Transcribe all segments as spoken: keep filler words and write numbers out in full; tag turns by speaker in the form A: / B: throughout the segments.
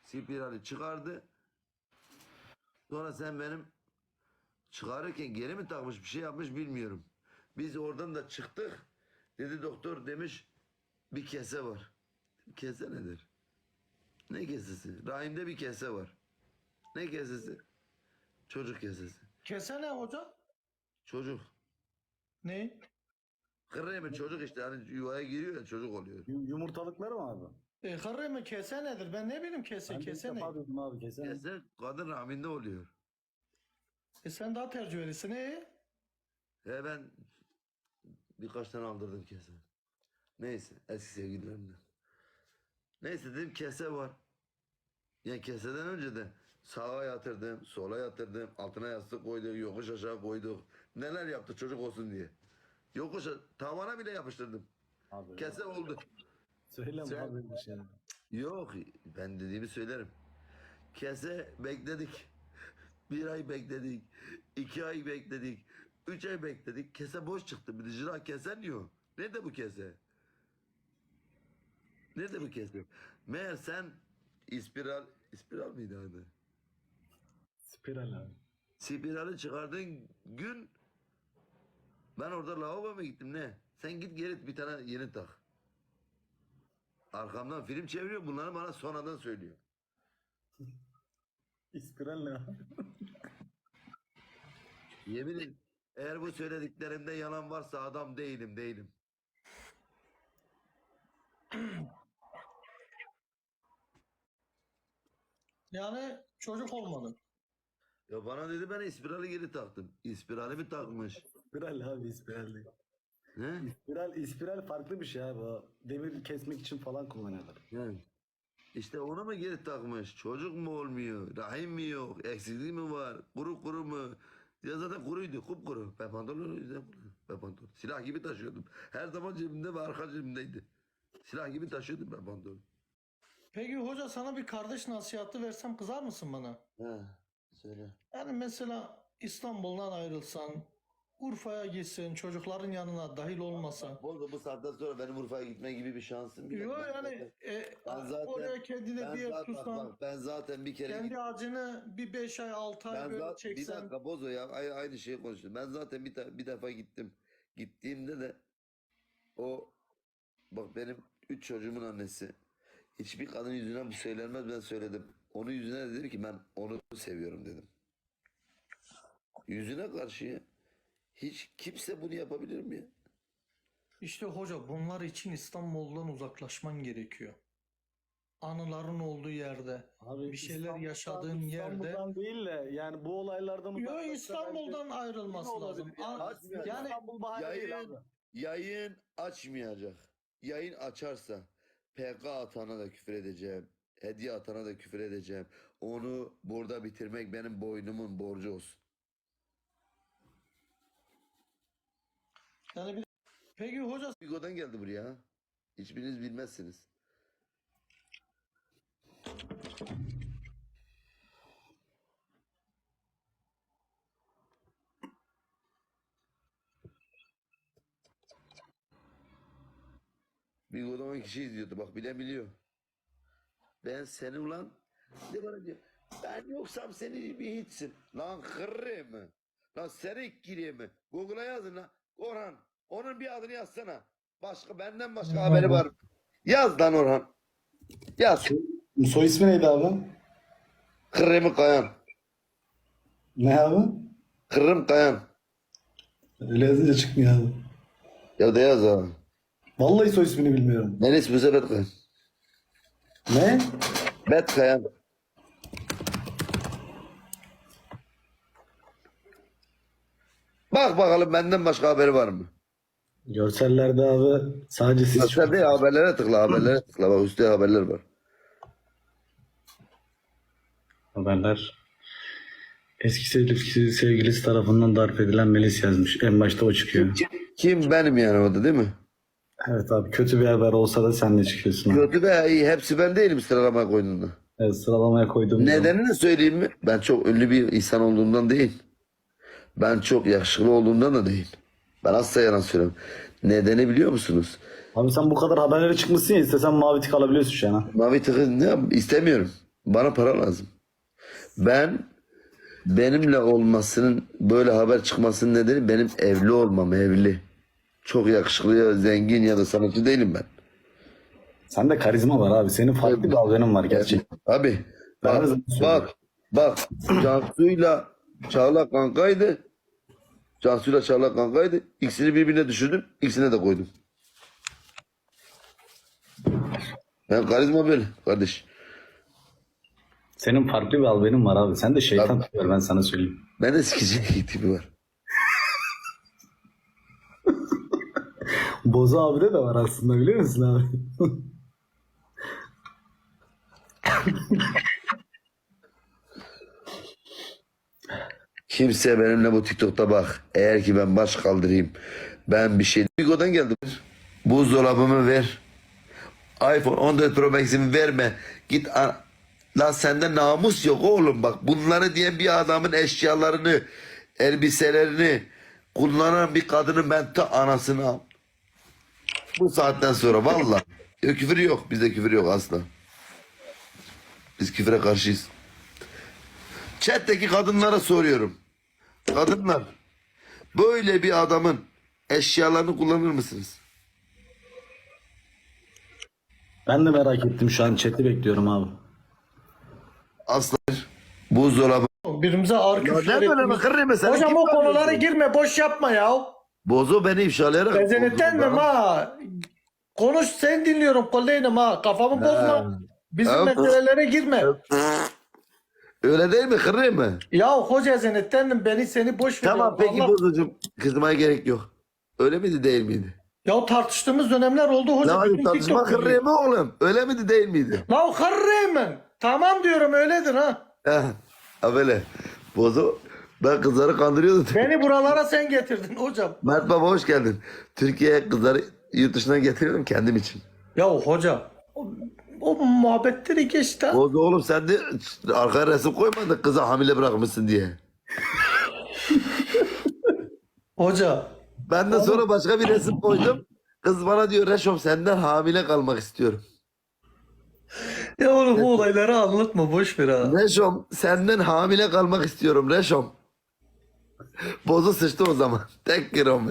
A: Spirali çıkardı. Sonra sen benim çıkarırken geri mi takmış bir şey yapmış bilmiyorum. Biz oradan da çıktık. Dedi doktor demiş bir kese var. Kese nedir? Ne kesesi? Rahimde bir kese var. Ne kesesi? Çocuk kesesi.
B: Kese ne hocam?
A: Çocuk.
B: Ne?
A: Kırremi çocuk işte hani yuvaya giriyor ya çocuk oluyor.
C: Yu- Yumurtalıkları mı abi?
B: E, hırrı mı kese nedir? Ben ne bileyim kese
C: Ben de ilk
B: kese ne?
C: defa duydum abi kese.
A: Kese kadın rahminde oluyor.
B: E sen daha tecrübelisin e?
A: He ben birkaç tane aldırdım kese. Neyse eski sevgililerimden. Neyse dedim kese var. Yani keseden önce de sağa yatırdım, sola yatırdım, altına yastık koyduk, yokuş aşağı koyduk. Neler yaptı çocuk olsun diye. Yokuş a- tavana bile yapıştırdım.
C: Abi
A: Kese
C: ya.
A: oldu.
C: Söyleme
A: Sen-
C: abi bir şey.
A: Yok ben dediğimi söylerim. Kese bekledik. Bir ay bekledik. iki ay bekledik. Üç ay bekledik. Kese boş çıktı. Bir de jira kesen yok. Nerede bu kese? Nerede bu kese? Meğer sen ispiral, ispiral mıydı adı?
C: Spiral abi.
A: Spirali çıkardığın gün ben orada lavaboya gittim ne? Sen git geri bir tane yeni tak. Arkamdan film çeviriyor bunları bana sonradan söylüyor.
C: Spiral ne abi?
A: Yemin ederim eğer bu söylediklerimde yalan varsa adam değilim değilim.
B: Yani çocuk olmadı.
A: Ya bana dedi ben ispirali geri taktım. İspirali mi takmış?
C: Spiral abi spiral değil.
A: Ne?
C: Spiral, spiral farklı bir şey abi. O demir kesmek için falan kullanıyorlar.
A: Yani. İşte onu mu geri takmış? Çocuk mu olmuyor? Rahim mi yok? Eksikliği mi var? Kuru kuru mu? Ya zaten kuruydu, kupkuru. Ben pantolonu yüzden ben pantolon. Silah gibi taşıyordum. Her zaman cebimde ve arka cebimdeydi. Silah gibi taşıyordum ben pantolonu.
B: Peki hoca sana bir kardeş nasihatı versem kızar mısın bana?
A: Ha, söyle.
B: Yani mesela İstanbul'dan ayrılsan, Urfa'ya gitsen, çocukların yanına dahil olmasan.
A: Bol bu saatten sonra benim Urfa'ya gitme gibi bir şansım yok.
B: Yok
A: Ben
B: yani
A: zaten-
B: e,
A: ben zaten-
B: oraya kendine
A: ben
B: bir yer
A: zaten,
B: tutsan,
A: bak, ben zaten bir kere
B: kendi acını bir beş ay altı ay
A: Ben
B: böyle
A: zaten bir
B: çeksen.
A: dakika Bozo ya ay- aynı şeyi konuştum. Ben zaten bir, ta- bir defa gittim. Gittiğimde de o bak benim üç çocuğumun annesi hiçbir kadın yüzüne bu söylenmez ben söyledim. Onun yüzüne de dedim ki ben onu seviyorum dedim. Yüzüne karşı hiç kimse bunu yapabilir mi ya?
B: İşte hoca bunlar için İstanbul'dan uzaklaşman gerekiyor. Anıların olduğu yerde,
C: Abi
B: bir şeyler
C: İstanbul'dan-
B: yaşadığın yerde.
C: İstanbul'dan değil de yani bu olaylardan
B: Yok
C: uzaklaşsa
B: İstanbul'dan
C: belki
B: ayrılması
C: ne olabilir
B: lazım.
C: yani?
B: A-
A: Açmıyor.
B: Yani
C: İstanbul bahane değil
A: Yayın,
C: abi.
A: yayın açmayacak. Yayın açarsa P K atana da küfür edeceğim. Hediye atana da küfür edeceğim. Onu burada bitirmek benim boynumun borcu olsun.
B: yani bir... Peki hoca
A: Bigo'dan geldi buraya. Ha? Hiçbiriniz bilmezsiniz. Bigo'da on kişi izliyordu. Bak bilen biliyor. Ben seni ulan de bana diyor. Ben yoksam seni bir hiçsin. Lan kırrı mı? Lan seni giriyor mi? Google'a yazın lan. Orhan. Onun bir adını yazsana. Başka benden başka haberi var. Yaz lan Orhan. Yaz.
C: Soy ismi neydi abi?
A: Kırrım Kayan.
C: Ne abi?
A: Kırrım Kayan.
C: Öyle yazınca çıkmıyor abi.
A: Ya da yaz ha.
C: Vallahi soy ismini bilmiyorum.
A: Neresi bu sefer Kayan?
C: Ne?
A: Bet Kayan. Bak bakalım benden başka haberi var mı?
C: Görsellerde abi sadece siz
A: Bak sen de haberlere tıkla haberlere tıkla. Bak üstte haberler var.
C: haberler. Eski sevgilisi, sevgilisi tarafından darp edilen Melis yazmış. En başta o çıkıyor.
A: Kim benim yani o da değil mi?
C: Evet abi kötü bir haber olsa da sen de çıkıyorsun abi.
A: Kötü be iyi. Hepsi ben değilim sıralamaya koyduğunda.
C: Evet sıralamaya koyduğum zaman.
A: Nedenini söyleyeyim mi? Ben çok ünlü bir insan olduğumdan değil. Ben çok yakışıklı olduğumdan da değil. Ben asla yalan söylüyorum. Nedeni biliyor musunuz?
C: Abi sen bu kadar haberlere çıkmışsın ya istesen mavi tik alabiliyorsun şu an ha.
A: Mavi tıkı ne yap- istemiyorum. bana para lazım. Ben benimle olmasının böyle haber çıkmasının nedeni benim evli olmam, evli. Çok yakışıklı ya zengin ya da sanatçı değilim ben.
C: Sende karizma var abi. Senin farklı bir algının var gerçekten.
A: Abi
C: Ben
A: bak
C: de sana
A: bak bak Cansu'yla Çağla kankaydı. Cansu'yla Çağla kankaydı. İkisini birbirine düşürdüm. İkisine de koydum. Ben karizma böyle kardeş.
C: Senin farklı bir algının var abi. Sen de şeytan
A: Abi.
C: tutuyor ben sana söyleyeyim.
A: Ben de sikici tipi var.
C: Bozu abide de var aslında biliyor musun abi?
A: Kimse benimle bu TikTok'ta bak. Eğer ki ben baş kaldırayım. Ben bir şey... Bigo'dan geldim. Buzdolabımı ver. iPhone on dört Pro Max'imi verme. Git a- lan sende namus yok oğlum bak. Bunları diyen bir adamın eşyalarını, elbiselerini kullanan bir kadının ben ta anasını al. Bu saatten sonra valla. Yok, küfür yok. Bizde küfür yok asla. Biz küfüre karşıyız. Chat'teki kadınlara soruyorum. Kadınlar, böyle bir adamın eşyalarını kullanır mısınız?
C: Ben de merak ettim şu an chat'i bekliyorum abi.
A: Asla. Buzdolabı.
B: Birbirimize ağır küfürler
A: Ne böyle
B: ettiğimiz-
A: bakır mesela?
B: Hocam
A: Kim
B: o
A: var
B: konulara
A: diyorsun?
B: girme, boş yapma ya.
A: Bozo beni ifşalayarak.
B: Bezenetlenmem ha. Konuş, sen dinliyorum kolleynim ha. Kafamı bozma. Bizim
A: Evet.
B: meselelere girme.
A: Öyle değil mi? Kırayım mı?
B: Ya hoca zenetlendim, beni seni boş ver.
A: Tamam
B: ya.
A: peki
B: Allah-
A: bozucum. Kızmaya gerek yok. Öyle miydi değil miydi?
B: Ya tartıştığımız dönemler oldu hoca.
A: Ya
B: bütün
A: tartışma
B: TikTok
A: kırayım mı oğlum? Öyle miydi değil miydi?
B: La kırrıyım. Tamam diyorum, öyledir ha.
A: Heh. Ha böyle. Bozo. Ben kızları kandırıyordum.
B: Beni buralara sen getirdin hocam.
A: Mert Baba hoş geldin. Türkiye'ye kızları yurt dışından getiriyordum kendim için.
B: Ya hoca o, o muhabbetleri geçti ha.
A: Bozo oğlum sen de arkaya resim koymadın kızı hamile bırakmışsın diye.
B: Hoca
A: Ben de sonra başka bir resim koydum. Kız bana diyor Reşom senden hamile kalmak istiyorum.
B: ya oğlum bu olayları anlatma, boş ver ha.
A: Reşom senden hamile kalmak istiyorum Reşom. Bozu sıçtı o zaman. Tek girom be.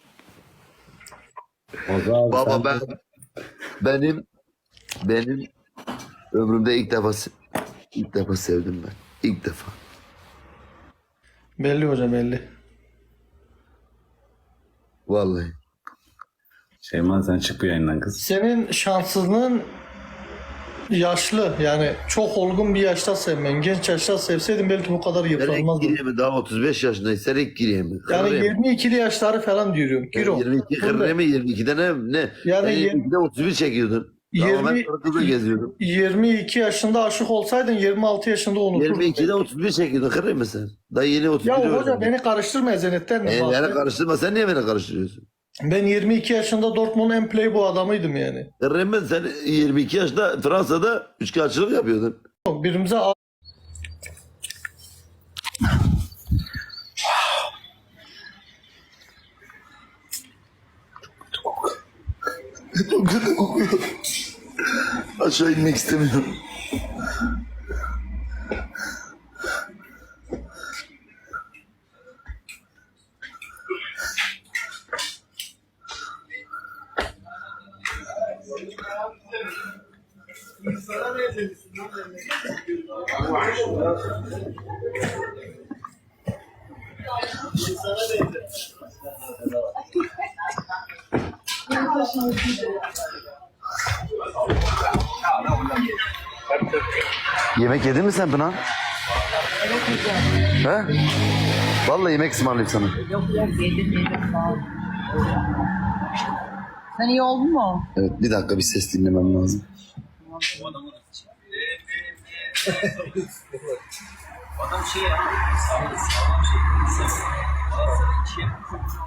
C: Bozu abi
A: Baba
C: sen-
A: ben benim benim ömrümde ilk defa se- ilk defa sevdim ben. İlk defa.
B: Belli hocam, belli.
A: Vallahi.
C: Şeyman sen çık bu yayından kız.
B: Senin şanssızlığın yaşlı, yani çok olgun bir yaşta sevmen. Genç yaşta sevseydin belki bu kadar
A: Ben ilk
B: yıpranmazdın.
A: gireyim daha otuz beş yaşındayım. Sen ilk gireyim mi?
B: Yani
A: Kırayım.
B: yirmi ikili yaşları falan diyorum. Giro.
A: yirmi iki kırayım mı? yirmi ikide ne? ne?
B: Yani
A: Sen
B: yirmi-
A: yirmi ikide otuz bir çekiyordun. Ama ben
B: yirmi
A: sonra kızla geziyordum.
B: yirmi iki yaşında aşık olsaydın yirmi altı yaşında unuturdun.
A: yirmi ikide otuz bir çekiyordun. Kırayım mı sen? Daha yeni otuz bir
B: Ya
A: öğrendin.
B: hoca beni karıştırma ezenetten.
A: E, beni karıştırma. Sen niye beni karıştırıyorsun?
B: Ben yirmi iki yaşında Dortmund'un en playboy adamıydım yani.
A: Kırayım sen yirmi iki yaşında Fransa'da üçkağıtçılık yapıyordun.
B: Birbirimize a-
A: Aşağı inmek istemiyorum. Yemek yedin mi sen Pınar? He? Vallahi yemek ısmarlayayım sana.
D: Yok yok yedim yedim sağ ol. Sen iyi oldun mu?
A: Evet bir dakika bir ses dinlemem lazım.
E: Adam şey ya, sağlık sağlam şey. Galatasaray iki